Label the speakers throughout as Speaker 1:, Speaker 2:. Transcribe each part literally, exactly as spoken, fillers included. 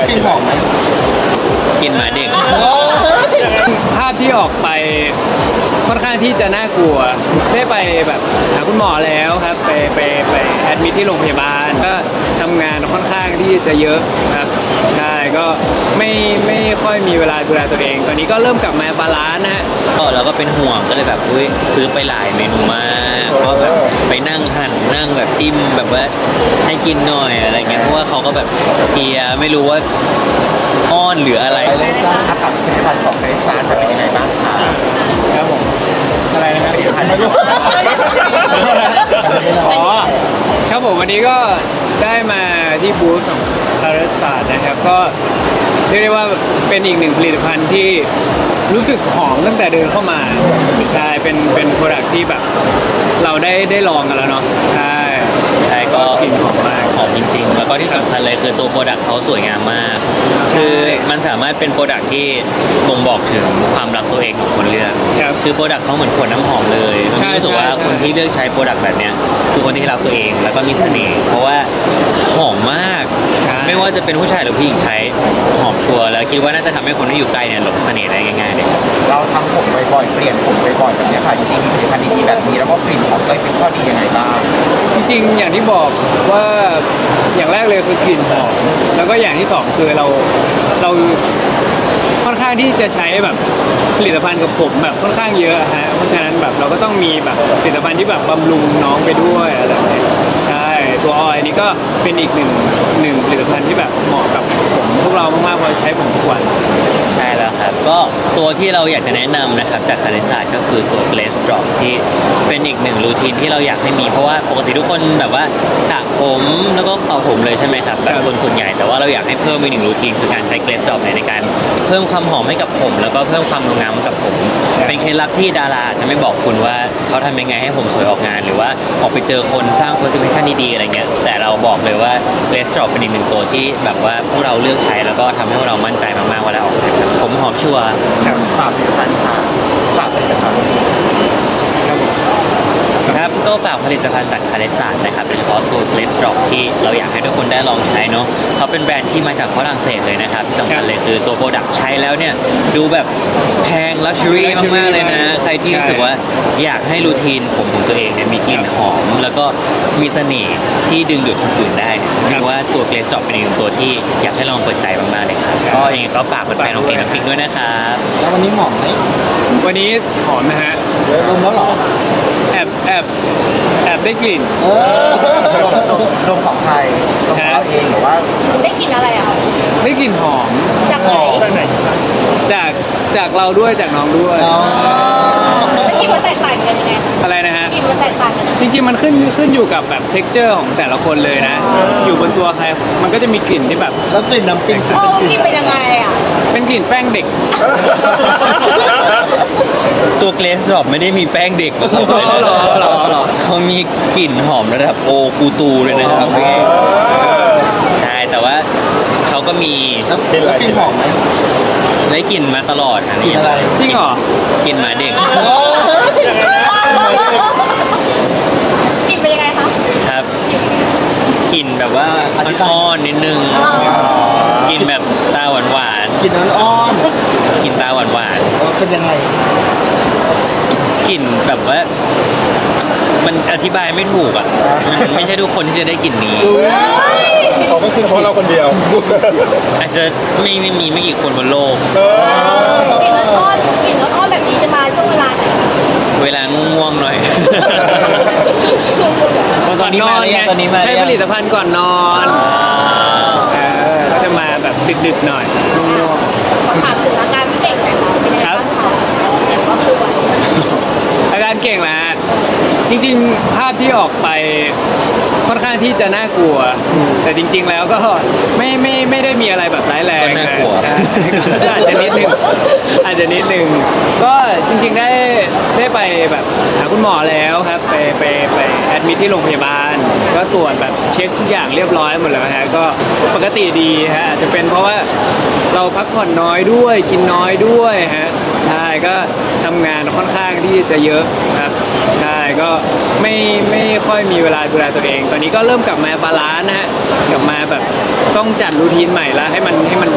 Speaker 1: กลิ่นหอมไหม
Speaker 2: กินหมาเด็ก
Speaker 3: ภาพที่ออกไปค่อนข้างที่จะน่ากลัวได้ไปแบบหาคุณหมอแล้วครับไปไปไปแอดมิทที่โรงพยาบาลก็ทำงานค่อนข้างที่จะเยอะครับใช่ก็ไม่ไม่ค่อยมีเวลาดูแลตัวเอง ตอนนี้ก็เริ่มกลับมาบาลานซ์นะฮะ
Speaker 2: ก็เราก็เป็นห่วงก็เลยแบบอุ้ยซื้อไปหลายเมนูมากก็แบบไปนั่งหั่นนั่งแบบจิ้มแบบว่าให้กินหน่อยอะไรเงี้ยเพราะว่าเขาก็แบบเฮียไม่รู้ว่าอ้อนหรืออะไร
Speaker 1: ไปเลยจ้าอากับผลิตภัณฑ์ของไอซานเป็นยังไงบ้างคะ
Speaker 3: ครับผมอะไรนะครับ
Speaker 1: ผลิตภัณฑ์ไม่รู้
Speaker 3: อ๋อครับผมวันนี้ก็ได้มาที่บูธของคาร์ศาสตร์นะครับก็เรียกได้ว่าเป็นอีกหนึ่งผลิตภัณฑ์ที่รู้สึกหอมตั้งแต่เดินเข้ามาใช่เป็นเป็นโปรดักที่แบบเราได้ได้ลองกันแล้วเนาะใช่
Speaker 2: ใช่ก็
Speaker 3: กลิ่นหอมมาก
Speaker 2: หอมจริงๆ แล้วก็ที่สำคัญเลยคือตัวโปรดักต์เขาสวยงามมาก
Speaker 3: ใช่
Speaker 2: คือมันสามารถเป็นโปรดักต์ที่บ่งบอกถึงความรักตัวเองของคนเลือก
Speaker 3: ครับ
Speaker 2: คือโปรดักต์เขาเหมือนขวดน้ำหอมเลย
Speaker 3: ใช่
Speaker 2: มันรู้สึกว่า
Speaker 3: ใช่
Speaker 2: คนที่เลือกใช้โปรดักต์แบบเนี้ยคือคนที่รักตัวเองแล้วก็มีเสน่ห์เพราะว่าหอมมาก
Speaker 3: ใช่
Speaker 2: ไม่ว่าจะเป็นผู้ชายหรือผู้หญิงใช้หอมชัวร์แล้วคิดว่าน่าจะทำให้คนที่อยู่ใกล้เนี่ยหลงเสน่ห์ได้ง่ายๆเลย
Speaker 1: เราทำผมบ่อยๆเปลี่ยนผมบ่อยๆแบบนี้ค่ะจริงๆมีผลิตภัณฑ์ดีๆแบบนี้แล้วก็กลิ่นหอมเลยเป็นข้อดียังไงบ้าง
Speaker 3: จริงๆอย่างที่บอกว่าอย่างแรกเลยคือกลิ่นหอมแล้วก็อย่างที่สองคือเราเราค่อนข้างที่จะใช้แบบผลิตภัณฑ์กับผมแบบค่อนข้างเยอะฮะเพราะฉะนั้นแบบเราก็ต้องมีแบบผลิตภัณฑ์ที่แบบบำรุงน้องไปด้วยอะไรแบบนี้ใช่ตัวออยนี่ก็เป็นอีกหนึ่งหนึ่งผลิตภัณฑ์ที่แบบเหมาะกับผมพวกเรามากๆเพราะใช้ผมทุกวัน
Speaker 2: ใช่แล้วครับ ก็ตัวที่เราอยากจะแนะนำนะครับจากคาริศาสตร์ก็คือตัว Glaze Drop ที่เป็นอีกหนึ่งรูทีนที่เราอยากให้มีเพราะว่าปกติทุกคนแบบว่าสระผมแล้วก็เป่าผมเลยใช่ไหมครับแบบคนส่วนใหญ่แต่ว่าเราอยากให้เพิ่มอีกหนึ่งรูทีนคือการใช้ Glaze Drop ในการเพิ่มความหอมให้กับผม แล้วก็เพิ่มความงามให้กับผม เป็นเคล็ดลับที่ดาราจะไม่บอกคุณว่าเขาทำยังไงให้ผมสวยออกงาน หรือว่าออกไปเจอคนสร้าง presentation ดีๆอะไรเงี้ยแต่เราบอกเลยว่า Glaze Drop เป็นอีกหนึ่งตัวที่แบบว่าพวกเราเลือกใช้แล้วก็ทำให้พวกเรามั่นใจมากๆเวลาออกงานครับผมหอมชัวร์
Speaker 1: ฝากผลิตภัณฑ์ค่ะฝากผลิตภัณฑ์
Speaker 3: ครับผม
Speaker 2: ครับก็ฝากผลิตภัณฑ์จากคาเลสานนะครับเป็นคอสตูเลสตรอกที่เราอยากให้ทุกคนได้ลองใช้เนาะเขาเป็นแบรนด์ที่มาจากฝรั่งเศสเลยนะครับที่สำคัญเลยคือตัวโปรดักต์ใช้แล้วเนี่ยดูแบบแพงลักชัวรี่มากๆเลยนะใครที่รู้สึกว่าอยากให้รูทีนผมของตัวเองเนี่ยมีกลิ่นหอม แล้วก็มีเสน่ห์ที่ดึงดูดคนอื่นได้เนี่ยคิดว่าตัวเกรสตรอกเป็นอีกหนึ่งตัวที่อยากให้ลองเปิดใจมากๆเลยครับก็ยังไงก็ฝากแฟนๆของเกมน้ำพริกด้วยนะครับ
Speaker 1: แล้ววันนี้หอมไหม
Speaker 3: วันนี้หอมนะฮะ
Speaker 1: เดี๋ยวดมแล้วเหรอ
Speaker 3: แอบแอบแอบได้กลิ่น
Speaker 1: เออดมดมดมของใครดมของเราเองหรือว่า
Speaker 4: ได้กินอะไรอะคะ
Speaker 3: ได้กลิ่นหอม
Speaker 4: จากไหน
Speaker 3: จากจากเราด้วยจากน้องด้วย
Speaker 1: อ๋อ
Speaker 4: แล้วกินมันแตกต่างกันยังไงคะ
Speaker 3: อะไรนะฮะ
Speaker 4: กินมันแตกต่างกันยังไง
Speaker 3: จริงๆมันขึ้นขึ้นอยู่กับแบบ เท็กเจอร์ ของแต่ละคนเลยนะ อยู่บนตัวใครมันก็จะมีกลิ่นที่แบบ
Speaker 1: แล้วกลิ่นน้ำปิ้ง
Speaker 4: โอ้กินเป็นยังไงอะ
Speaker 3: เป็นกลิ่นแป้งเด็ก
Speaker 2: ตัวเกรสดรอปไม่ได้มีแป้งเด็กผสมเลยนะ
Speaker 3: เหรอเหรอเหรอ
Speaker 2: เขามีกลิ่นหอมระดับโอกูตูเลยนะครับใช่แต่ว่าเขาก็มี
Speaker 1: แล้วกลิ่นหอมไหม
Speaker 2: ได้กลิ่นมาตลอดอัน
Speaker 1: กลิ่
Speaker 2: นี้
Speaker 1: นอะไร
Speaker 3: จริงเหรอ
Speaker 2: กลิ่นหมาเด็ก
Speaker 1: โอ้ย
Speaker 4: กินเป็นยังไงคะ
Speaker 2: ครับกลิ่นแบบว่าอ่อนๆนิดนึงกลิ่นแบบตาหวาน
Speaker 1: กลิ่นอ่อน
Speaker 2: ๆกลิ่นตาหวาน
Speaker 1: ๆเออเป็นยังไง
Speaker 2: ๆกลิ่นแบบว่า มันอธิบายไม่ถูกอ่ะมันไม่ใช่ทุกคนที่จะได้กลิ่นนี้
Speaker 5: เขาก็คือเฉพาะเราคนเดียว
Speaker 2: อาจจะไม่ไม่มีไม่กี่คนบนโลก
Speaker 4: กินอ้อนๆกินอ้อนๆแบบนี้จะมาช่วงเวลาไหน
Speaker 2: เวลาง่วงๆหน่อย
Speaker 3: ก่อนนอนไง
Speaker 2: ตอนนี้มาหรือยัง
Speaker 3: ใช้ผลิตภัณฑ์ก่อนนอนเออก็จะมาแบบดึกๆหน่อยง่วง
Speaker 4: ถามถึงอาการพี่เก่งหน่อยค่ะเป็นยังไงบ้างคะเจ็บครอบครัว
Speaker 3: ๆอาการเก่งแหละฮะจริงๆภาพที่ออกไปค่อนข้างที่จะน่ากลัว แต่จริง ๆ แล้วก็ไม่ไม่ไม่ได้มีอะไรแบบร้ายแรง
Speaker 2: ก็น่ากลัว
Speaker 3: ใช่ก็อาจจะนิดนึงอาจจะนิดนึงก็จริงๆได้ได้ไปแบบหาคุณหมอแล้วครับไปไปไปแอดมิทที่โรงพยาบาล ก็ตรวจแบบเช็คทุกอย่างเรียบร้อยหมดแล้วฮะก็ปกติดีฮะอาจจะเป็นเพราะว่าเราพักผ่อนน้อยด้วยกินน้อยด้วยฮะใช่ก็ทำงานค่อนข้างที่จะเยอะครับใช่ก็ไม่ไม่ค่อยมีเวลาดูแลตัวเอง ตอนนี้ก็เริ่มกลับมาบาลานซ์นะฮะกลับมาแบบต้องจัดรูทีนใหม่แล้วให้มันให้มัน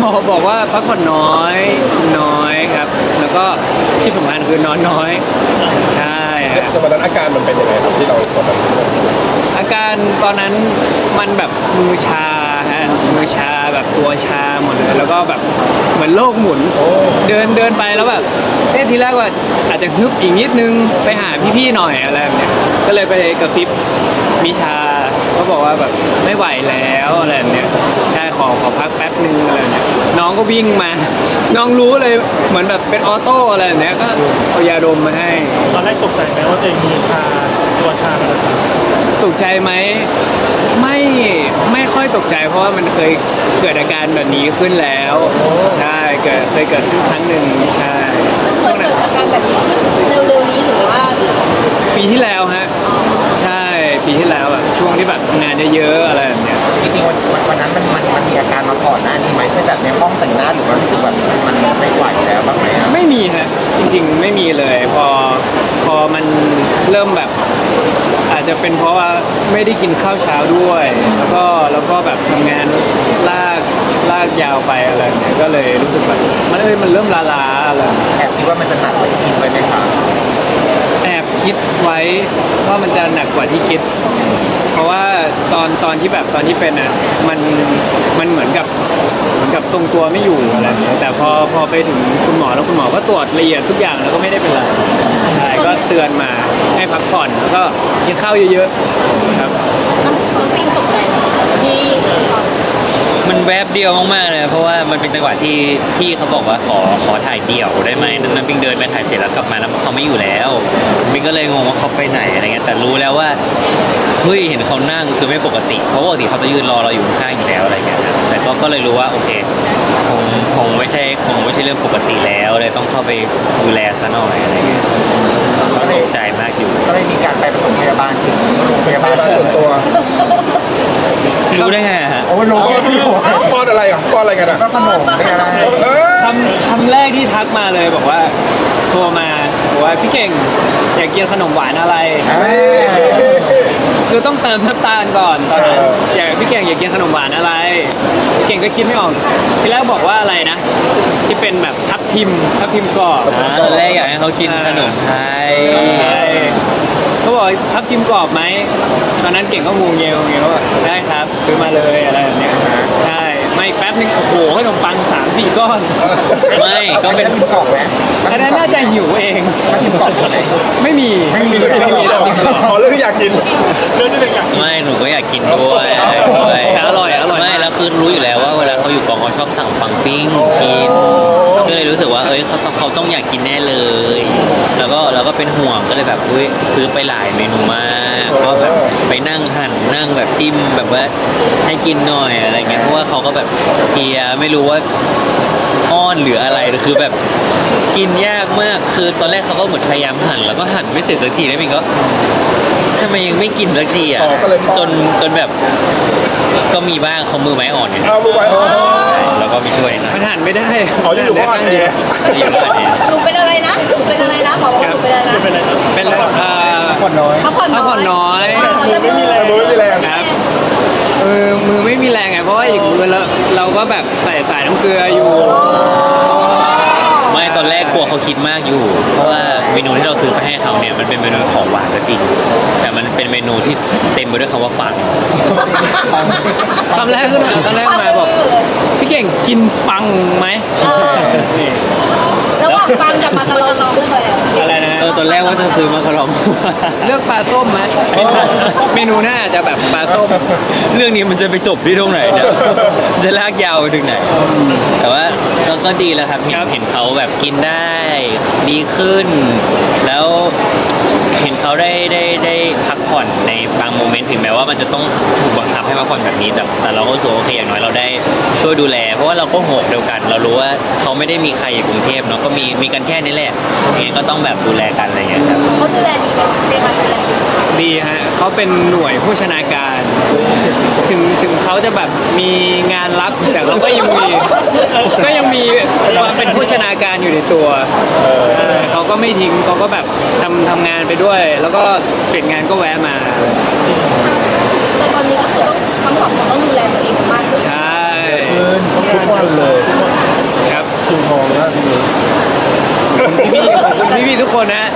Speaker 3: บอกบอกว่าพักผ่อนน้อยกินน้อยครับ แล้วก็ที่สำคัญคือนอนน้อย ใช่ฮะ
Speaker 5: แต่วันนั้นอาการมันเป็นยังไงครับที่เราตอนนั้น
Speaker 3: อาการตอนนั้นมันแบบมือชาฮะมือชาแบบตัวชาหมดเลยแล้วก็แบบเหมือนโลกหมุน เดินเดินไปแล้วแบบเอ๊ะทีแรกว่าอาจจะฮึบอีกนิดนึงไปหาพี่ๆหน่อยอะไรแบบเนี้ยก็เลยไปกระซิบมิชาก็บอกว่าแบบไม่ไหวแล้วอะไรแบบเนี้ยใช่ขอขอพักแป๊บนึงอะไรแบบเนี้ยน้องก็วิ่งมา น้องรู้เลยเหมือนแบบเป็นออโต้อะไรแบบเนี้ยก็เอายาดมมาให้
Speaker 6: ตอนแรกตกใจไหมว่าตัวเองมีชาตัวชาอะไรแบบนี้
Speaker 3: ตกใจไหมไม่ไม่ค่อยตกใจเพราะว่ามันเคยเกิดอาการแบบนี้ขึ้นแล้ว ใช่เกิดเคยเกิดขึ้นครั้งหนึ่งใช่
Speaker 4: เคยเกิดอาการแบบนี้เร็วๆนี้หรือว่า
Speaker 3: ปีที่แล้วฮะใช่ปีที่แล้วแบบช่วงที่แบบทำงานเยอะๆอะไรแบบเนี้ย
Speaker 1: จริงๆวันวันวันนั้นมันมันมันมีอาการมาก่อนหน้านี้ไหมเช่นแบบในห้องแต่งหน้าหรือว่ารู้สึกแบบมันไม่ไหวแล้วบ้างไหมอะ
Speaker 3: ไม่มีฮะจริงๆไม่มีเลยพอพอมันเริ่มแบบ อาจจะเป็นเพราะว่าไม่ได้กินข้าวเช้าด้วย แล้วก็แล้วก็แบบทำงานลากลากยาวไปอะไรแบบเนี้ยก็เลยรู้สึกแบบมันเอ้ยมันเริ่มล้าๆอะไร
Speaker 1: แอบคิดว่ามันจะหนักกว่าที่คิดไว้ไหมคะ
Speaker 3: แอบคิดไว้ว่ามันจะหนักกว่าที่คิด เพราะว่าตอนตอนที่แบบตอนที่เป็นอ่ะมันมันเหมือนกับเหมือนกับทรงตัวไม่อยู่อะไรแบบนี้แต่พอพอไปถึงคุณหมอแล้วคุณหมอก็ตรวจละเอียดทุกอย่างแล้วก็ไม่ได้เป็นไรใช่ก็เตือนมาให้พักผ่อนแล้วก็กินข้าวเยอะๆครับ
Speaker 4: น้ำน้ำปิงตกใจไหมที่ตอน
Speaker 2: มันแวบเดียวมากๆเลยเพราะว่ามันเป็นจังหวะที่พี่เขาบอกว่าขอขอถ่ายเดี่ยวได้ไหมนั้นน้ำปิงเดินไปถ่ายเสร็จแล้วกลับมาแล้วเขาไม่อยู่แล้วปิงก็เลยงงว่าเขาไปไหนอะไรเงี้ยแต่รู้แล้วว่าเฮ้ยเห็นเขานั่งคือไม่ปกติเพราะปกติเขาจะยืนรอเราอยู่ข้างๆอยู่แล้วอะไรเงี้ยครับแต่ก็ก็เลยรู้ว่าโอเคคงคงไม่ใช่คงไม่ใช่เรื่องปกติแล้วเลยต้องเข้าไปดูแลซะหน่อยอะไรเงี้ยก็ตกใจมากอยู่
Speaker 1: ก็เลยมีการไปปฐมพยาบาลถึงโรงพยา
Speaker 5: พ
Speaker 1: บาล
Speaker 5: ยาบาลส่วนตัว
Speaker 2: รู้ได้ไงอะฮะ
Speaker 1: โอ้โห
Speaker 5: ป้อนป้อนอะไรอ่ะป้อนอะไรกันอ่ะ
Speaker 1: ก็ขนมเป็นอะไร
Speaker 5: เออ
Speaker 3: คำคำแรกที่ทักมาเลยบอกว่าโทรมาบอกว่าพี่เก่งอยากกินขนมหวานอะไร คือต้องเติมน้ำตาลก่อนตอนนั้นอยากพี่เก่งอยากกินขนมหวานอะไรพี่เก่งก็คิดไม่ออกทีแรกบอกว่าอะไรนะ ที่เป็นแบบทับทิมทับทิมกรอบ
Speaker 2: อ่าตอนแรกอยากให้เขากินขนมไทย
Speaker 3: ใช่เขาบอกทับทิมกรอบไหมตอนนั้นเก่งก็งงเงียวเงียวว่าได้ครับซื้อมาเลยอะไรแบบเนี้ยใช่ไม่แป๊บนึงโอ้โหขนมปังสามสี่ก้อน
Speaker 2: ไม่ก็
Speaker 1: ก็
Speaker 2: เป็
Speaker 1: เป็น นกรอบไหม
Speaker 3: อันนั้นน่าจะหิวเอง
Speaker 1: มันกินกรอบไหม
Speaker 3: ไม่มี
Speaker 1: ไม่มี
Speaker 5: เรื่องที่เราอ๋อเรื่องที่อยากกิน
Speaker 6: เรื่องที่เป็นอยาก
Speaker 2: ไม่หนูก็อยากกินด้วยอะไรด้วย
Speaker 3: แต่อร่อยอร่อย
Speaker 2: ไม่แล้วคือรู้อยู่แล้วว่าเวลาเขาอยู่กองเขาชอบสั่งปังปิ้งกินก็เลยรู้สึกว่าเอ้ยเขาต้องเขาต้องอยากกินแน่เลย แล้วก็เราก็เป็นห่วงก็เลยแบบเฮ้ยซื้อไปหลายเมนูมากก็แบบไปนั่งหั่นนั่งแบบจิ้มแบบว่าให้กินหน่อยอะไรเงี้ยเพราะว่าเขาก็แบบเพลียไม่รู้ว่าอ้อนหรืออะไรคือแบบกินยากมากคือตอนแรกเขาก็เหมือนพยายามหั่นแล้วก็หั่นไม่เสร็จสักทีแล้วมินก็ทำไมยังไม่กินสักทีอ่ะ
Speaker 5: อ๋อก็เลยป้อน
Speaker 2: จนจนแบบก็มีบ้างเขามือไม้อ่อนเนี่ย
Speaker 5: เอามือไว้อ๋อ
Speaker 2: แล้วก็มีช่วยนะ
Speaker 3: มันหั่นไม่ได้
Speaker 5: อ๋ออยู่ๆก็อ่อนแอ
Speaker 2: อยู่บ้านเนี่ย
Speaker 4: หนูเป็นอะไรนะหนูเป็นอะไรนะหมอบอกว่าหนูเป็นอะไรนะ
Speaker 6: เป็นอะไรนะ
Speaker 3: เป็นเอ่อ
Speaker 1: ผ่อนน้อย
Speaker 4: พักผ่อน
Speaker 3: พักผ่อนน้อย
Speaker 4: แต่มือ
Speaker 5: แต่มือไม่มีแรง
Speaker 3: ครับเออมือไม่มีแรงไงเพราะว่าอีกมือเราเราก็แบบใส่สายน้ำเกลืออยู่
Speaker 2: ไม่ตอนแรกกลัวเขาคิดมากอยู่ เพราะว่าเมนูที่เราซื้อไปให้เขาเนี่ยมันเป็นเมนูของหวานก็จริง แต่มันเป็นเมนูที่เต็มไปด้วยคำว่าปัง
Speaker 3: คำแรกขึ้นมาคำแรกมาบอกพี่เก่งกินปังไหม
Speaker 4: เออ
Speaker 3: นี่
Speaker 4: ระหว่างปังกับมาการอนเรื่องอะไรอะ
Speaker 3: อะไรนะ
Speaker 2: เออตอนแรกว่าจะซื้อมาคารอง
Speaker 3: เลือกปลาส้มไหมเมนูหน้าจะแบบปลาส้ม
Speaker 2: เรื่องนี้มันจะไปจบที่ตรงไหนเนี่ยจะลากยาวไปถึงไหน แต่ว่าก็ก็ดีแล้วครับเห็น
Speaker 3: ครับ
Speaker 2: เห็นเขาแบบกินได้ดีขึ้น แล้วเห็นเขาได้ได้ได้พักผ่อนในบางโมเมนต์ถึงแม้ว่ามันจะต้องถูกบังคับให้พักผ่อนแบบนี้แต่แต่เราก็รู้สึกว่าโอเคอย่างน้อยเราได้ช่วยดูแล เพราะว่าเราก็โหกเดียวกัน เรารู้ว่าเขาไม่ได้มีใครอยู่กรุงเทพเนาะก็มีมีกันแค่นี้แหละยังไงก็ต้องแบบดูแลกันอะไรอย่างเงี้ยครับ
Speaker 4: เขาดูแลดีไหมเรียกมาดูแลดีไหม
Speaker 3: ดีฮะเขาเป็นหน่วยผู้ชนาการ ถึงถึงเขาจะแบบมีงานรับแต่เขาก็ยังมีก็ยังมีความเป็นผู้ชนาการอยู่ในตัวเออเขาก็ไม่ทิ้งเขาก็แบบทำทำงานไปด้วย แล้วก็เสร็จงานก็แวะมา
Speaker 4: แต่ตอนนี้ก็คือต้องทั้งสองคนต้องดูแลตัวเองกันมากขึ้น
Speaker 3: ใช่
Speaker 5: ทุกวันเลย
Speaker 4: เออ
Speaker 3: กคนนะ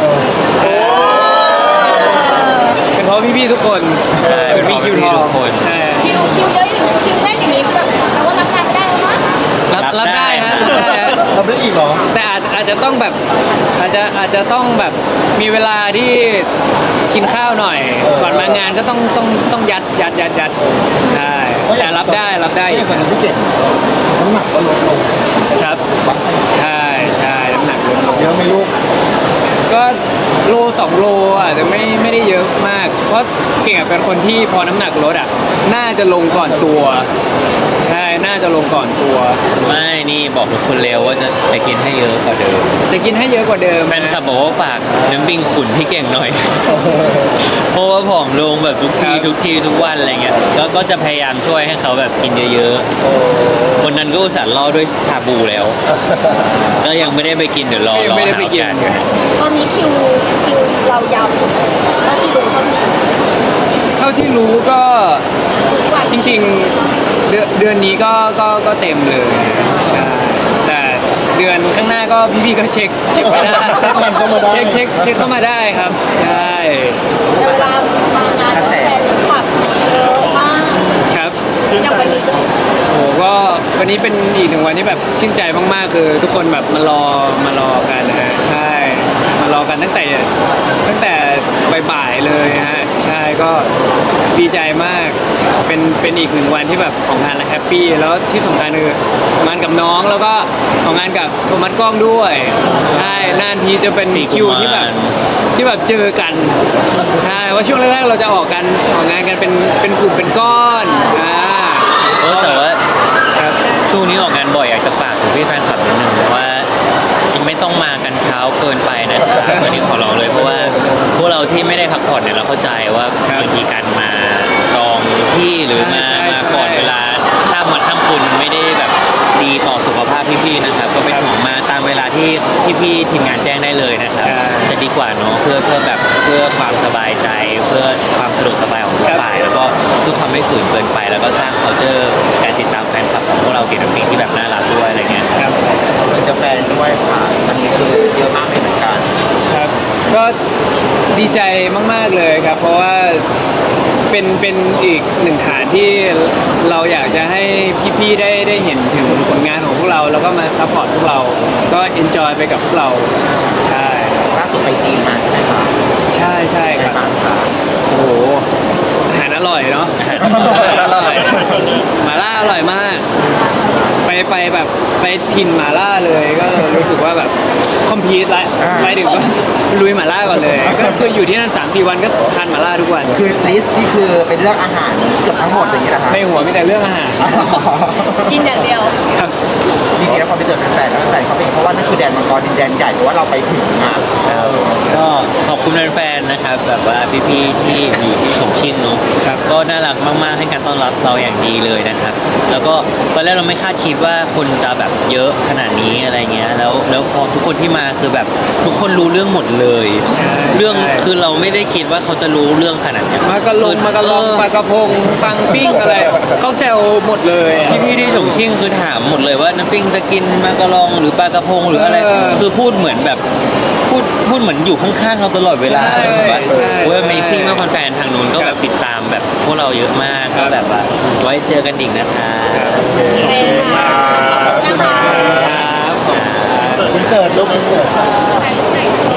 Speaker 3: เป็นเพราะพี่ๆทุกคน
Speaker 2: ใช่
Speaker 3: เป็นมีคิวทอง
Speaker 2: ทุกคน
Speaker 3: ใช่
Speaker 4: คิวคิวเยอะอย่างคิวแน่นอย่างนี้แบบแปลว่ารับงานไม่ได้แล้วมั้ง
Speaker 3: รับ
Speaker 2: รั
Speaker 3: รับบ
Speaker 2: ได้
Speaker 3: ได้ฮะรับได้ฮะ
Speaker 1: ทำได้อีกเหรอ
Speaker 3: แต่อาจอาจจะต้องแบบอาจจะอาจจะต้องแบบมีเวลาที่กินข้าวหน่อย ก่อนมางานก็ต้องต้องต้องยัดยัดยัดยัดใช่แต่รับได้รับได้
Speaker 1: ไม่
Speaker 3: อีก
Speaker 1: เหมือนที่เก่งน้ำหนักก็ลดลง
Speaker 3: ครับใช่ใช่น้ำหนักลดลง
Speaker 1: เยอะไหม่ลูก
Speaker 3: ก็โลสองโลอาจจะไม่ไม่ได้เยอะมาก เพราะเก่งอะเป็นคนที่พอน้ำหนักลดอ่ะน่าจะลงก่อนตัว ใช่น่าจะลงก่อนตัว
Speaker 2: ไม่นี่บอกทุกคนเร็วว่าจะจะกินให้เยอะกว่าเดิม
Speaker 3: จะกินให้เยอะกว่าเดิม
Speaker 2: แฟนคลับบอกว่าฝากน้ำปิงขุนให้เก่งหน่อย เพราะว่าผอมลงแบบทุกทีทุกทีทุกวันอะไรเงี้ยแล้วก็จะพยายามช่วยให้เขาแบบกินเยอะๆคนนั้นก็อุตส่าห์ล่อด้วยชาบูแล้ว ก็ยังไม่ได้ไปกินเดี๋ยวรอ
Speaker 3: ยัง
Speaker 2: รอ
Speaker 3: ไม่ได้
Speaker 2: หา
Speaker 3: ไป
Speaker 2: โอ
Speaker 3: กิน
Speaker 2: กาส
Speaker 4: ตอนนี้คิวคิวเรายาวเท่าที่รู้เท่าที่
Speaker 3: เท่าที่รู้ก็
Speaker 4: ทุกวัน
Speaker 3: จริงๆเดือนเดือนนี้ก็ก็ก็เต็มเลยใช่แต่เดือนข้างหน้าก็พี่ๆก็เช็คเช็คมาได้
Speaker 1: เช็คมันเข้ามาได้
Speaker 3: เช็คเช็คเช็คเข้ามาได้ครับ ใช่
Speaker 4: แต่เวลามางานแฟนคลับเยอะมาก
Speaker 3: ครับ
Speaker 4: อย่างวันนี้ก็
Speaker 3: โอ้ก็วันนี้เป็นอีกหนึ่งวันที่แบบชื่นใจมากๆคือทุกคนแบบมารอมารอกันนะฮะใช่มารอกันตั้งแต่ตั้งแต่บ่ายๆเลยฮะใช่ก็ดีใจมากเป็นเป็นอีกหนึ่งวันที่แบบของงานและแฮปปี้แล้วที่สำคัญคือของงานกับน้องแล้วก็ของงานกับโทมัสกล้องด้วยใช่นานทีจะเป็น
Speaker 2: สี่
Speaker 3: คิว
Speaker 2: กุมาร
Speaker 3: ที่แบบที่แบบเจอกันใช่ว่าช่วงแรกๆเราจะออกกันออกงานกันเป็นเป็นกลุ่มเป็นก้อนอ่า
Speaker 2: เออแต่ว่า
Speaker 3: ครับ
Speaker 2: ช่วงนี้ออกงานบ่อยอยากจะฝากถึงพี่แฟนคลับนิดนึงว่าไม่ต้องมากันเช้าเกินไปนะครับวันนี้ขอร้องเลยเพราะว่าพวกเราที่ไม่ได้พักผ่อนเนี่ยเราเข้าใจว่าบางทีการมาจองที่หรือมา
Speaker 3: ใช่ใช่
Speaker 2: มาก่อนเวลาข้ามวันข้ามคืนมันไม่ได้แบบดีต่อสุขภาพพี่ๆนะครับ ก็เป็นห่วงมาตามเวลาที่พี่ๆทีมงานแจ้งได้เลยนะครับ
Speaker 3: ใช่
Speaker 2: จะดีกว่าเนาะเพื่อเพื่อแบบเพื่อความสบายใจ เพื่อความสะดวกสบายของทุกฝ่ายแล้วก็เพื่อความไม่ฝืนเกินไป แล้วก็สร้าง culture การติดตามแฟนคลับของพวกเราเกี่ยวกับเพลงที่แบบน่ารักด้วยอะไรเงี้ย
Speaker 3: ครับ
Speaker 1: เป็นกาแฟนด้วยค่ะอันนี้คือเยอะมากเลยเหมือนกัน
Speaker 3: ครับก็ดีใจมากๆเลยครับ เพราะว่าเป็นเป็นอีกหนึ่งฐานที่เราอยากจะให้พี่ๆได้ได้เห็นถึงผลงานของพวกเรา แล้วก็มาซัพพอร์ตพวกเรา ก็เอนจอยไปกับพวกเราใช่
Speaker 1: ล่าสุดไปจีนมาใช่ไหมคะ
Speaker 3: ใช่ใช่
Speaker 1: เป็น
Speaker 3: ค
Speaker 1: ไง
Speaker 3: รับ
Speaker 1: บ้างคะ
Speaker 3: โอ้โหอาหารอร่อยเนาะอาหารอร่อยหมาล่าอร่อยมาก ไปไปแบบไปถิ่นหมาล่าเลยก็รู้สึกว่าแบบคอมพีทละไปถึงก็ลุยหมาล่าก่อนเลย ก็คืออยู่ที่นั่นสามสี่วันก็ทานหมาล่าทุกวัน
Speaker 1: คือลิสต์นี่คือเป็นเรื่องอาหารเกือบทั้งหมดอย่างนี้แหละคะ
Speaker 3: ในหัวมีแต่เรื่องอาหาร
Speaker 4: กินอย่างเดียว
Speaker 3: ครับ
Speaker 1: จริงๆแล้วพอไปเจอแฟนๆแล้วแฟนๆเขาเป็นเพราะว่านั่นคือแดนมังกรดินแดนใหญ่เพราะว่าเราไปถึงอ่ะเออ
Speaker 2: ก็ขอบคุณแฟนๆนะครับแบบว่าพี่ๆที่อยู่ที่ฉงชิ่งเนาะ
Speaker 3: ครับ
Speaker 2: ก็น่ารักมากๆให้การต้อนรับเราอย่างดีเลยนะครับ แล้วก็ตอนแรกเราไม่คาดคิดว่าคนจะแบบเยอะขนาดนี้อะไรเงี้ยแล้วแล้วพอทุกคนที่มาคือแบบทุกคนรู้เรื่องหมดเลย
Speaker 3: ใช่
Speaker 2: เรื่อง
Speaker 3: ใช่
Speaker 2: คือเราไม่ได้คิดว่าเขาจะรู้เรื่องขนาดเนี้ย
Speaker 3: มากระลงมากระลองปลากระพงปังปิ้งอะไรเขาแซวหมดเลยอะ
Speaker 2: พี่พี่ๆที่ฉงชิ่งคือถามหมดเลยว่าน้ำปิ้งจะกินมากระลองหรือปลากระพงหรืออะไร
Speaker 3: เออ
Speaker 2: คือพูดเหมือนแบบพูดพูดเหมือนอยู่ข้างๆเราตลอดเวลา
Speaker 3: ใช่
Speaker 2: แบบว่า
Speaker 3: ใช่
Speaker 2: โอ้ย Amazing มากแฟนๆทางนู้นก็แบบติดตามแบบพวกเราเยอะมาก
Speaker 3: ครั
Speaker 2: ก็
Speaker 3: บ
Speaker 2: แบบว่าไว้เจอกันอีกนะคะ
Speaker 4: โอเคค่ะขอบคุณนะคะ
Speaker 3: ครับ
Speaker 1: คุณเสิร์ตลูกคุณเสิร์ต